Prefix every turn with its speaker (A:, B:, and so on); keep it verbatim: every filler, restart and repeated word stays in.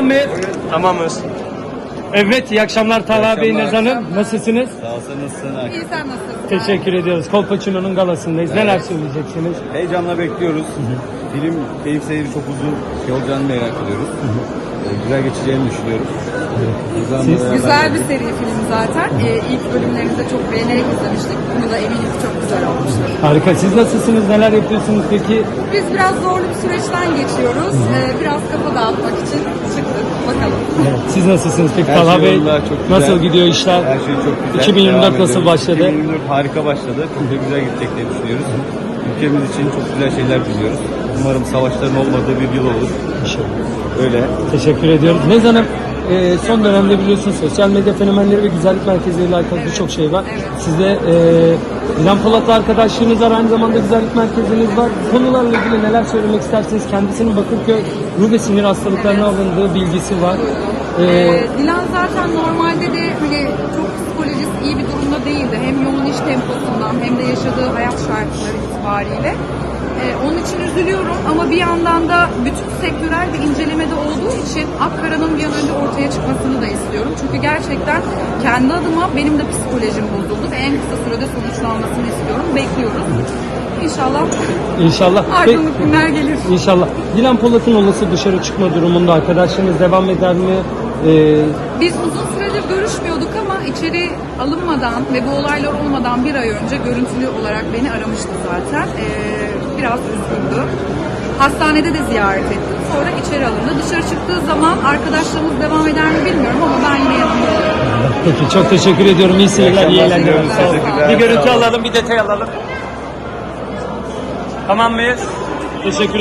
A: Tamam mıyız?
B: Tamamız.
A: Evet, iyi akşamlar Talha Bey, Nez Hanım. Nasılsınız?
C: Sağ olsun, nasılsın?
D: İyi, sen nasılsın?
A: Teşekkür ediyoruz. Kolpaçino'nun galasındayız. Neler söyleyeceksiniz?
C: Heyecanla bekliyoruz. Film keyif seyri çok uzun şey olacağını merak ediyoruz. Ee, güzel geçeceğini düşünüyorum.
A: Siz?
D: Güzel bir seri film zaten. Ee, ilk bölümlerini de çok beğenerek izlemiştik. Bunu da eminim ki çok güzel olmuştur.
A: Harika. Siz nasılsınız? Neler yapıyorsunuz peki?
D: Biz biraz zorlu bir süreçten geçiyoruz. Ee, biraz kafa dağıtmak için çıktık. Bakalım.
A: Evet. Siz nasılsınız peki
C: Her
A: Talha
C: şey
A: Bey?
C: yolunda, çok güzel.
A: Nasıl gidiyor işler?
C: Her şey çok güzel.
A: iki bin yirmi dört
C: Devam
A: nasıl
C: ediyoruz.
A: başladı?
C: iki bin yirmi dört harika başladı. Çok da güzel gidecek diye düşünüyoruz. Ülkemiz için çok güzel şeyler diliyoruz. Umarım savaşların olmadığı bir yıl olur. Öyle.
A: Teşekkür ediyoruz. Nez Hanım, e, son dönemde biliyorsunuz sosyal medya fenomenleri ve güzellik merkezleriyle alakalı birçok şey var.
D: Evet.
A: Sizde e, Dilan Polat'la arkadaşlığınız var, aynı zamanda güzellik merkeziniz var. Bu konularla ilgili neler söylemek istersiniz? Kendisinin Bakırköy ruh ve sinir hastalıklarına alındığı bilgisi var. E,
D: Ee, Dilan zaten normalde de hani çok psikolojisi iyi bir durumda değildi. Hem yoğun iş temposundan hem de yaşadığı hayat şartları itibariyle. Ee, onun için üzülüyorum ama bir yandan da bütün sektörel bir incelemede olduğu için Akkara'nın bir an önce ortaya çıkmasını da istiyorum. Çünkü gerçekten kendi adıma benim de psikolojim bozuldu ve en kısa sürede sonuçlanmasını istiyorum. Bekliyoruz. İnşallah
A: İnşallah.
D: aydınlık günler gelir.
A: İnşallah. Dilan Polat'ın olası dışarı çıkma durumunda arkadaşlarınız devam eder mi? E,
D: Biz uzun süredir görüşmüyorduk ama içeri alınmadan ve bu olaylar olmadan bir ay önce görüntülü olarak beni aramıştı zaten. Ee, biraz üzgündü. Hastanede de ziyaret ettim. Sonra içeri alındı. Dışarı çıktığı zaman arkadaşlarımız devam eder mi bilmiyorum ama ben yine yanında olurum.
A: Peki, çok teşekkür ediyorum. İyi seyirler, iyi
C: akşamlar
A: eğlenceler.
C: diliyoruz.
A: Sağ olun.
C: Teşekkürler.
A: Bir görüntü
C: Sağ olun.
A: alalım, bir detay alalım. Tamam mıyız? Teşekkür